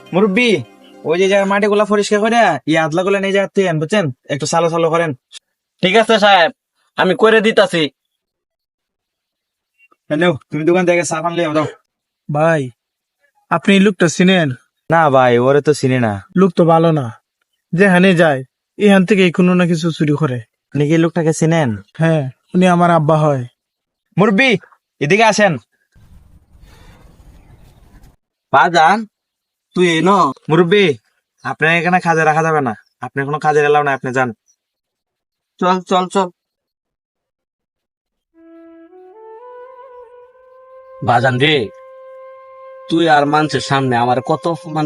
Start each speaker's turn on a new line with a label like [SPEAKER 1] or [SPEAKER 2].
[SPEAKER 1] মুরব্বি, ওই যে জায়গায় মাটি গুলা পরিষ্কার করে আদলা গুলা নিয়ে যাতে বুঝছেন, একটু সালো সালো করেন।
[SPEAKER 2] ঠিক আছে সাহেব, আমি করে দিতাছি।
[SPEAKER 1] হ্যালো, তুমি দোকান থেকে চা পান লিয়ে দাও।
[SPEAKER 3] ভাই, আপনি এই লোকটা চিনেন?
[SPEAKER 1] না ভাই, ওরে তো চিনি না।
[SPEAKER 3] লোক তো ভালো না, যেখানে যায় এখান থেকে কোনো না কিছু চুরি করে।
[SPEAKER 1] আপনি কি লোকটাকে চিনেন?
[SPEAKER 3] হ্যাঁ, উনি আমার আব্বা হয়।
[SPEAKER 1] মুরব্বি, এদিকে আসেন।
[SPEAKER 2] বাজান, তুই এনো?
[SPEAKER 1] মুরব্বি, আপনার এখানে কাজে রাখা যাবে না, আপনি কোনো কাজের এলাও না, আপনি যান।
[SPEAKER 2] চল চল চল। বাজান রে, তুই আর মানুষের সামনে আমার কত অপমান